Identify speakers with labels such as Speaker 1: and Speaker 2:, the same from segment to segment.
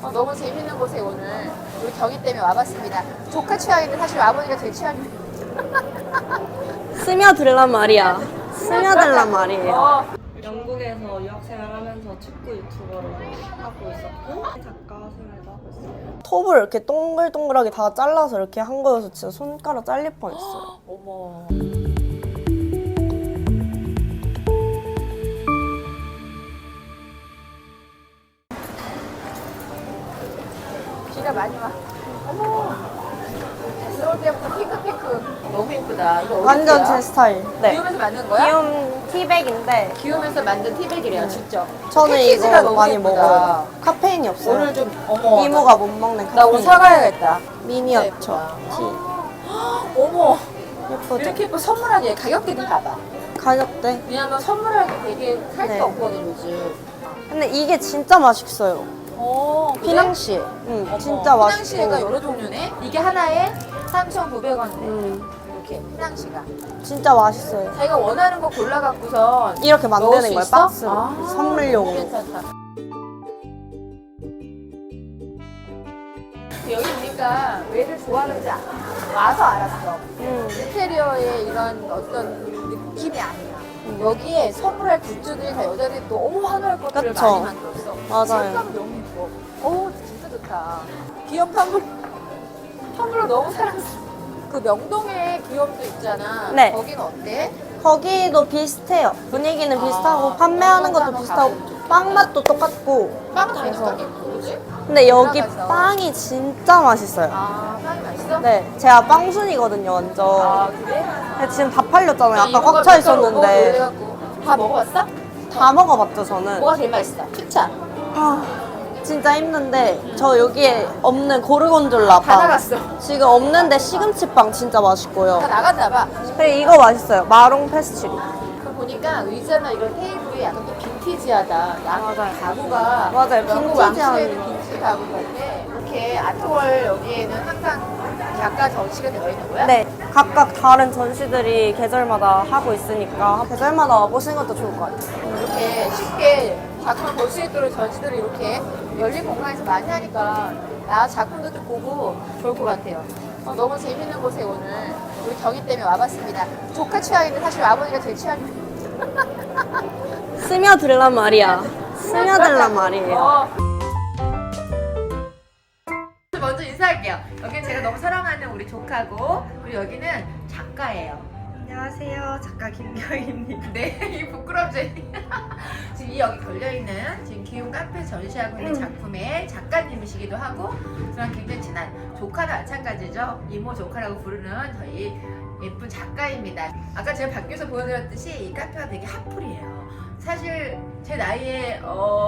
Speaker 1: 너무 재밌는 곳에 오늘 우리 경희 때문에 와봤습니다. 조카 취향인데 사실 아버지가 제 취향입니다.
Speaker 2: 스며들란 말이야. 스며들란 말이에요.
Speaker 1: 어,
Speaker 2: 영국에서 유학생활하면서 축구 유튜버로 하고 있었고 작가 생활도 하고 있어요. 톱을 이렇게 동글동글하게 다 잘라서 이렇게 한 거여서 진짜 손가락 잘릴 뻔했어요.
Speaker 1: 어머. 비가 많이 와. 어머. 들어올 때부터 핑크핑크. 너무 예쁘다. 이거
Speaker 2: 완전
Speaker 1: 어디세요?
Speaker 2: 제 스타일. 네.
Speaker 1: 기우면서 만든 거야?
Speaker 2: 귀여운 티백인데
Speaker 1: 기우면서 만든 티백이래요, 직접.
Speaker 2: 저는
Speaker 1: 패키지가
Speaker 2: 이거
Speaker 1: 너무
Speaker 2: 많이
Speaker 1: 예쁘다.
Speaker 2: 먹어요. 카페인이 없어요.
Speaker 1: 오늘 좀 어머.
Speaker 2: 이모가 못 먹는
Speaker 1: 나 오늘
Speaker 2: 카페인.
Speaker 1: 사가야겠다.
Speaker 2: 미니어처 티.
Speaker 1: 어머.
Speaker 2: 예쁘죠?
Speaker 1: 이렇게 예뻐 선물하기 가격대 좀 봐봐.
Speaker 2: 가격대.
Speaker 1: 왜냐면 선물하기 되게 살 게
Speaker 2: 네.
Speaker 1: 없거든 요즘.
Speaker 2: 근데 이게 진짜 맛있어요.
Speaker 1: 그래?
Speaker 2: 피낭시.
Speaker 1: 어머,
Speaker 2: 진짜 맛있고.
Speaker 1: 피낭시가 여러 종류네. 이게 하나에 3,900원인데
Speaker 2: 음,
Speaker 1: 이렇게 피낭시가.
Speaker 2: 진짜 맛있어요.
Speaker 1: 자기가 원하는 거 골라갖고선
Speaker 2: 이렇게
Speaker 1: 넣을
Speaker 2: 만드는
Speaker 1: 수
Speaker 2: 거예요,
Speaker 1: 있어?
Speaker 2: 박스로.
Speaker 1: 아,
Speaker 2: 선물용으로.
Speaker 1: 괜찮다. 여기 보니까 왜들 좋아하는지 와서 알았어. 인테리어의 이런 어떤 느낌이 아니야. 여기에 선물할 굿즈들이 다 여자들이 너무 환호할 것들을
Speaker 2: 그쵸.
Speaker 1: 많이 만들었어.
Speaker 2: 맞아요.
Speaker 1: 색감이 너무 예뻐. 진짜 좋다. 기업 텀블러 너무 사랑스러워. 그 명동에 기업도 있잖아.
Speaker 2: 네.
Speaker 1: 거기는 어때?
Speaker 2: 거기도 비슷해요. 분위기는
Speaker 1: 아,
Speaker 2: 비슷하고 판매하는 것도
Speaker 1: 한번
Speaker 2: 비슷하고
Speaker 1: 가보죠.
Speaker 2: 빵 맛도 똑같고.
Speaker 1: 빵은 다 똑같겠고, 그지?
Speaker 2: 근데 여기
Speaker 1: 들어가서.
Speaker 2: 빵이 진짜 맛있어요.
Speaker 1: 빵이 맛있어?
Speaker 2: 네, 제가 빵순이거든요, 완전.
Speaker 1: 그래?
Speaker 2: 근데 지금 다 팔렸잖아요. 아까
Speaker 1: 이모가
Speaker 2: 꽉 차
Speaker 1: 몇
Speaker 2: 있었는데.
Speaker 1: 그래갖고. 다 먹어봤어?
Speaker 2: 다 먹어봤죠, 저는.
Speaker 1: 뭐가 제일 맛있어? 추천.
Speaker 2: 진짜 힘든데 저 여기에 없는 고르곤졸라
Speaker 1: 다
Speaker 2: 빵.
Speaker 1: 나갔어.
Speaker 2: 지금 없는데 시금치빵 진짜 맛있고요.
Speaker 1: 다 나갔나 봐.
Speaker 2: 그리고 이거 맛있어요. 마롱 페스츄리.
Speaker 1: 그 보니까 의자나 이런 테이블이 약간 또 빈티지하다.
Speaker 2: 맞아요.
Speaker 1: 가구가
Speaker 2: 맞아요.
Speaker 1: 영국
Speaker 2: 빈티지한.
Speaker 1: 왕실에는 빈티지 가구 같은데 이렇게 아트월 여기에는 항상 작가 전시가 되어 있는 거야?
Speaker 2: 네, 각각 다른 전시들이 계절마다 하고 있으니까 계절마다 와보시는 것도 좋을 것 같아요.
Speaker 1: 이렇게 쉽게 작품을 볼 수 있도록 전시들을 이렇게 열린 공간에서 많이 하니까 나 작품도 좀 보고 좋을 것 같아요. 너무 재밌는 곳에 오늘 우리 경희 때문에 와봤습니다. 조카 취향인데 사실 아버지가 제 취향입니다.
Speaker 2: 스며들란 말이야. 스며들란 말이에요.
Speaker 1: 먼저 인사할게요. 여기는 제가 너무 사랑하는 우리 조카고, 그리고 여기는 작가예요.
Speaker 2: 안녕하세요. 작가 김경희입니다.
Speaker 1: 네, 이 부끄럽지. 지금 이 여기 걸려있는 지금 기욤 카페 전시하고 있는 작품의 작가님이시기도 하고, 저랑 굉장히 친한 조카도 마찬가지죠. 이모 조카라고 부르는 저희 예쁜 작가입니다. 아까 제가 밖에서 보여드렸듯이 이 카페가 되게 핫플이에요. 사실 제 나이에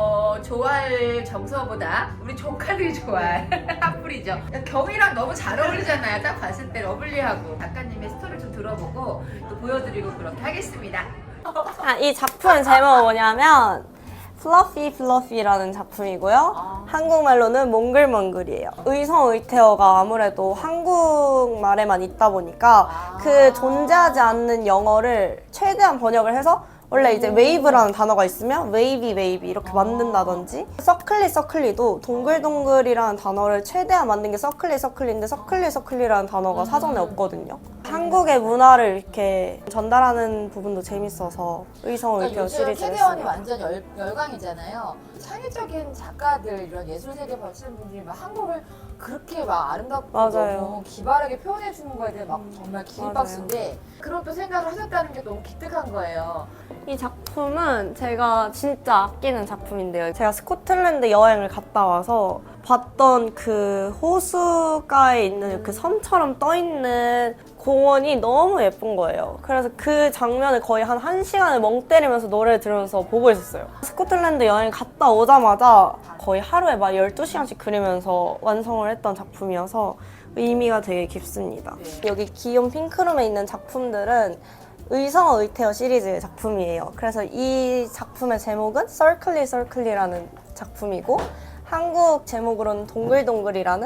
Speaker 1: 좋아할 정서보다 우리 조카들이 좋아할 핫플이죠. 경이랑 너무 잘 어울리잖아요. 딱 봤을 때 러블리하고. 작가님의 스토리를 좀 들어보고 또 보여드리고 그렇게 하겠습니다.
Speaker 2: 이 작품의 제목은 뭐냐면 플러피 플러피라는 작품이고요. 한국말로는 몽글몽글이에요. 의성의태어가 아무래도 한국말에만 있다 보니까 그 존재하지 않는 영어를 최대한 번역을 해서 원래 이제 웨이브라는 단어가 있으면 웨이비 웨이비 이렇게 만든다든지, 서클리 서클리도 동글동글이라는 단어를 최대한 만든 게 서클리 서클리인데 서클리 서클리라는 단어가 사전에 없거든요. 한국의 문화를 이렇게 전달하는 부분도 재밌어서 의성의태어
Speaker 1: 요즘
Speaker 2: 시리즈를
Speaker 1: 캐대원이
Speaker 2: 했습니다.
Speaker 1: 완전 열광이잖아요. 창의적인 작가들, 이런 예술 세계 버치는 분들이 막 한국을 그렇게 막 아름답고
Speaker 2: 맞아요.
Speaker 1: 너무 기발하게 표현해 주는 거에 대해 막 정말 기립박수인데, 그런 또 생각을 하셨다는 게 너무 기특한 거예요.
Speaker 2: 이 작품은 제가 진짜 아끼는 작품인데요. 제가 스코틀랜드 여행을 갔다 와서 봤던 그 호수가에 있는 그 섬처럼 떠있는 공원이 너무 예쁜 거예요. 그래서 그 장면을 거의 한 1시간을 멍 때리면서 노래를 들으면서 보고 있었어요. 스코틀랜드 여행 갔다 오자마자 거의 하루에 막 12시간씩 그리면서 완성을 했던 작품이어서 의미가 되게 깊습니다. 여기 기욤 핑크룸에 있는 작품들은 의성의태어 시리즈의 작품이에요. 그래서 이 작품의 제목은 서클리 서클리라는 작품이고, 한국 제목으로는 동글동글이라는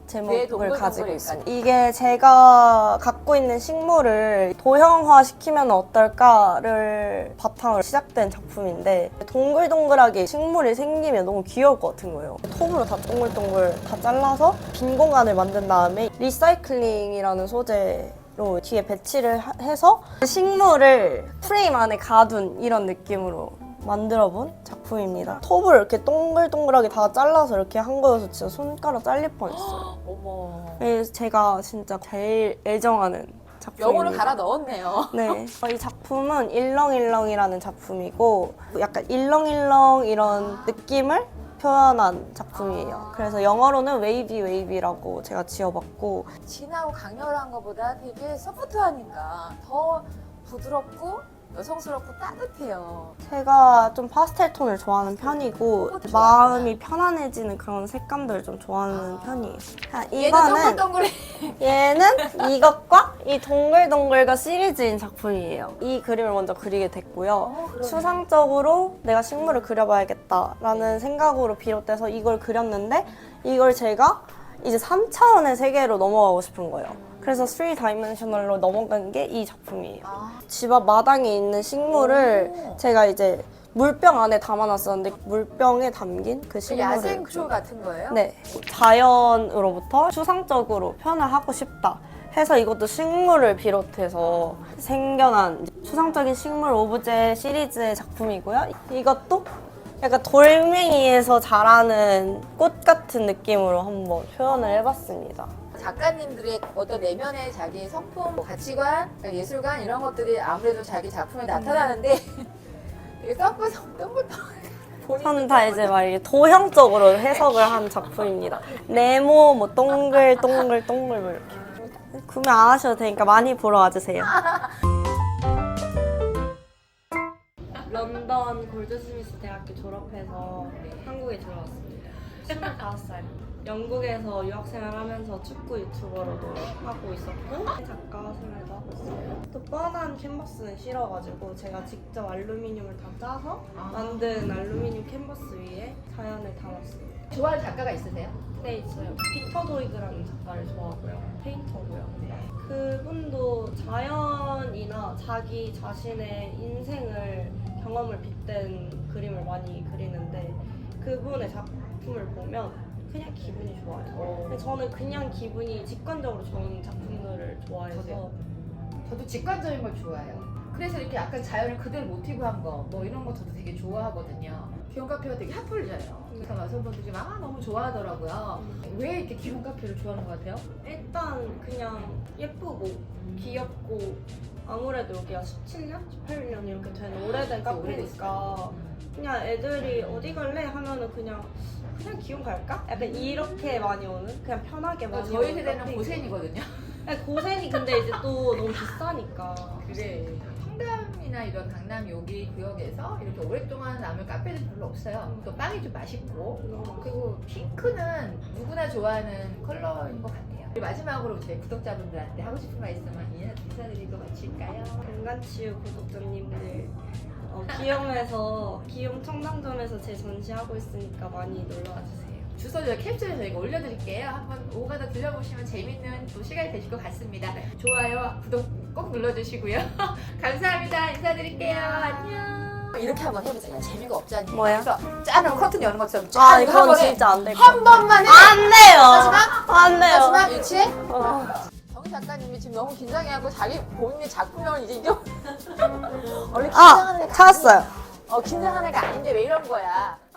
Speaker 2: 제목을
Speaker 1: 동글동글일까요?
Speaker 2: 가지고 있어요. 이게 제가 갖고 있는 식물을 도형화 시키면 어떨까를 바탕으로 시작된 작품인데 동글동글하게 식물이 생기면 너무 귀여울 것 같은 거예요. 톱으로 다 동글동글 다 잘라서 빈 공간을 만든 다음에 리사이클링이라는 소재로 뒤에 배치를 해서 식물을 프레임 안에 가둔 이런 느낌으로 만들어본 작품입니다. 톱을 이렇게 동글동글하게 다 잘라서 이렇게 한 거여서 진짜 손가락 잘릴 뻔했어요.
Speaker 1: 어머.
Speaker 2: 그래서 제가 진짜 제일 애정하는 작품입니다.
Speaker 1: 영어를 갈아 넣었네요.
Speaker 2: 네. 이 작품은 일렁일렁이라는 작품이고 약간 일렁일렁 이런 느낌을 표현한 작품이에요. 그래서 영어로는 웨이비 웨이비라고 제가 지어봤고
Speaker 1: 진하고 강렬한 것보다 되게 소프트하니까 더 부드럽고 여성스럽고 따뜻해요.
Speaker 2: 제가 좀 파스텔 톤을 좋아하는 편이고 마음이 편안해지는 그런 색감들을 좀 좋아하는 편이에요.
Speaker 1: 얘는
Speaker 2: 이거는
Speaker 1: 동글동글해.
Speaker 2: 얘는 이것과 이 동글동글과 시리즈인 작품이에요. 이 그림을 먼저 그리게 됐고요.
Speaker 1: 그러네.
Speaker 2: 추상적으로 내가 식물을 그려봐야겠다라는 생각으로 비롯돼서 이걸 그렸는데 이걸 제가 이제 3차원의 세계로 넘어가고 싶은 거예요. 그래서 3다이멘셔널로 넘어간 게 이 작품이에요. 집 앞 마당에 있는 식물을 제가 이제 물병 안에 담아놨었는데 물병에 담긴 그 식물을
Speaker 1: 야생초 같은 거예요?
Speaker 2: 네, 자연으로부터 추상적으로 표현을 하고 싶다 해서 이것도 식물을 비롯해서 생겨난 추상적인 식물 오브제 시리즈의 작품이고요. 이것도 약간 돌멩이에서 자라는 꽃 같은 느낌으로 한번 표현을 해봤습니다.
Speaker 1: 작가님들의 어떤 내면의 자기 성품, 가치관, 예술관 이런 것들이 아무래도 자기 작품에 나타나는데 되게 섞어서 동글동글
Speaker 2: 저는 다 이제 막 이렇게 도형적으로 해석을 한 작품입니다. 네모, 뭐 동글, 동글, 동글 뭐 이렇게. 구매 안 하셔도 되니까 많이 보러 와주세요. 런던 골드스미스 대학교 졸업해서 한국에 들어왔습니다. 25살. 영국에서 유학생활 하면서 축구 유튜버로도 하고 있었고 작가 생활도 하고 있어요. 또 뻔한 캔버스는 싫어가지고 제가 직접 알루미늄을 다 짜서 만든 알루미늄 캔버스 위에 자연을 담았습니다.
Speaker 1: 좋아하는 작가가 있으세요?
Speaker 2: 네, 있어요. 피터 도이그라는 작가를 좋아하고요. 페인터고요. 그분도 자연이나 자기 자신의 인생을 경험을 빗댄 그림을 많이 그리는데 그분의 작품을 보면 그냥 기분이 좋아요. 근데 저는 그냥 기분이 직관적으로 좋은 작품들을 좋아해서
Speaker 1: 저도 직관적인 걸 좋아해요. 그래서 이렇게 약간 자연을 그대로 모티브한 거, 뭐 이런 거 저도 되게 좋아하거든요. 기온 카페가 되게 핫플이잖아요. 그래서 여성분들이 막 너무 좋아하더라고요. 왜 이렇게 기온 카페를 좋아하는 것 같아요?
Speaker 2: 일단 그냥 예쁘고 귀엽고 아무래도 여기가 17년? 18년 이렇게 된 오래된 카페니까 그냥 애들이 어디 갈래? 하면은 그냥 기운 갈까? 약간 이렇게 많이 오는? 그냥 편하게 많이 오는
Speaker 1: 저희 세대는
Speaker 2: 카페이고.
Speaker 1: 고센이거든요.
Speaker 2: 아니, 고생이 근데 이제 또 너무 비싸니까
Speaker 1: 그래. 청담이나 이런 강남 여기 구역에서 이렇게 오랫동안 남을 카페는 별로 없어요. 또 빵이 좀 맛있고 그리고 핑크는 누구나 좋아하는 컬러인 것 같아요. 그리고 마지막으로 저희 구독자분들한테 하고 싶은 말 있으면 인사드리고 마칠까요?
Speaker 2: 공간치유 구독자님들 기욤에서 기욤 청담점에서 제 전시하고 있으니까 많이 놀러와주세요.
Speaker 1: 주소 저희 캡처해서 저희가 올려드릴게요. 한번 오가다 들려보시면 재밌는 또 시간이 되실 것 같습니다. 좋아요, 구독 꼭 눌러주시고요. 감사합니다. 인사드릴게요. 안녕. 이렇게 한번 해보세요. 재미가 없잖아요.
Speaker 2: 뭐야?
Speaker 1: 그래서 짠 커튼 여는 것처럼
Speaker 2: 아
Speaker 1: 짠
Speaker 2: 이건 진짜 안 될 것
Speaker 1: 한 번만 해.
Speaker 2: 안 돼요.
Speaker 1: 마지막?
Speaker 2: 안 돼요.
Speaker 1: 마지막 유치해?
Speaker 2: 어.
Speaker 1: 정 작가님이 지금 너무 긴장해하고 자기 본인의 작품명을 이제 잊어. 원래 긴장하는 애가
Speaker 2: 찾았어요.
Speaker 1: 긴장하는 애가 아닌데 왜 이런 거야?